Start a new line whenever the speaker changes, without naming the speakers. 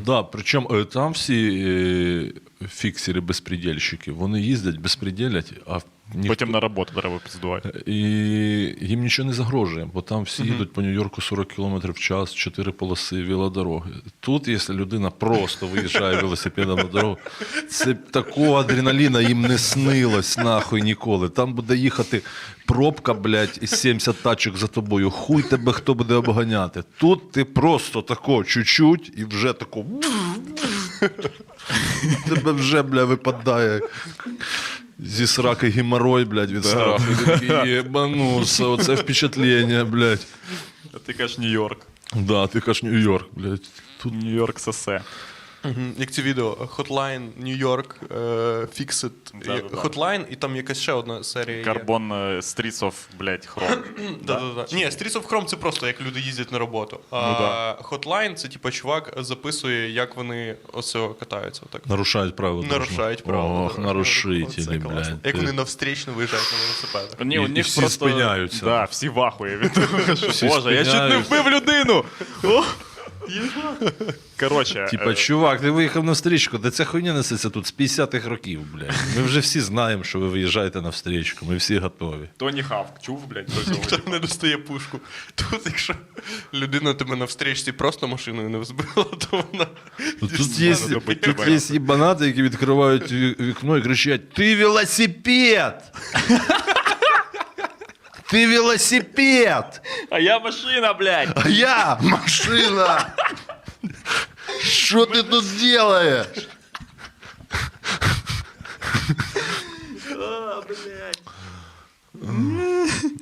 Да, причому там всі фіксери-безпредельщики, вони їздять, безпреділять, а
Потім на роботу треба піздувати.
і їм нічого не загрожує, бо там всі їдуть по Нью-Йорку 40 км в час, 4 полоси, велодороги. Тут, якщо людина просто виїжджає велосипедом на дорогу, це такого адреналіна їм не снилось нахуй ніколи. Там буде їхати пробка, блядь, із 70 тачок за тобою. Хуй тебе хто буде обганяти. Тут ти просто тако чуть-чуть і вже тако... Тебе вже, бля, випадає зі сраки геморрой, блядь, від страху. Такий, єбануся, оце впечатлення, блядь.
А ти кажеш Нью-Йорк.
Да, ти кажеш Нью-Йорк, блядь.
Тут Нью-Йорк сосе.
Як це відео Hotline New York Fix It.
Да-да-да.
Hotline, і там якась ще одна серія є.
Карбон Streets of, блядь, Chrome.
Да-да-да. Ні, Streets of Chrome це просто як люди їздять на роботу. А
да.
Hotline це типу чувак записує, як вони оце катаються. Отак.
Нарушають правила.
Нарушають правила.
Ох,
да.
нарушителі,
Це класно.
блядь.
Як вони навстрічно виїжджають на велосипедах.
Ні,
І-
у
і
них
всі
просто...
спиняються.
Да, всі в ахуї від того, що,
Всі
Боже, я чуть не
спиняються.
вбив людину! О! Коротше,
Типа, чувак, ти виїхав на встрічку, де ця хуйня несеться тут з 50-х років, блядь. Ми вже всі знаємо, що ви виїжджаєте на встрічку, ми всі готові.
Тоні Хавк, чув, блядь, про цього?
Ніхто не достає пушку. Тут, якщо людина тебе на встрічці просто машиною не взбила, то вона...
Тут є,
добити
тут
тебе.
є їбанати, які відкривають вікно і кричать: «Ти велосипед! Ти велосипед!
А я машина, блядь!
А я машина! Що ти тут делаєш?»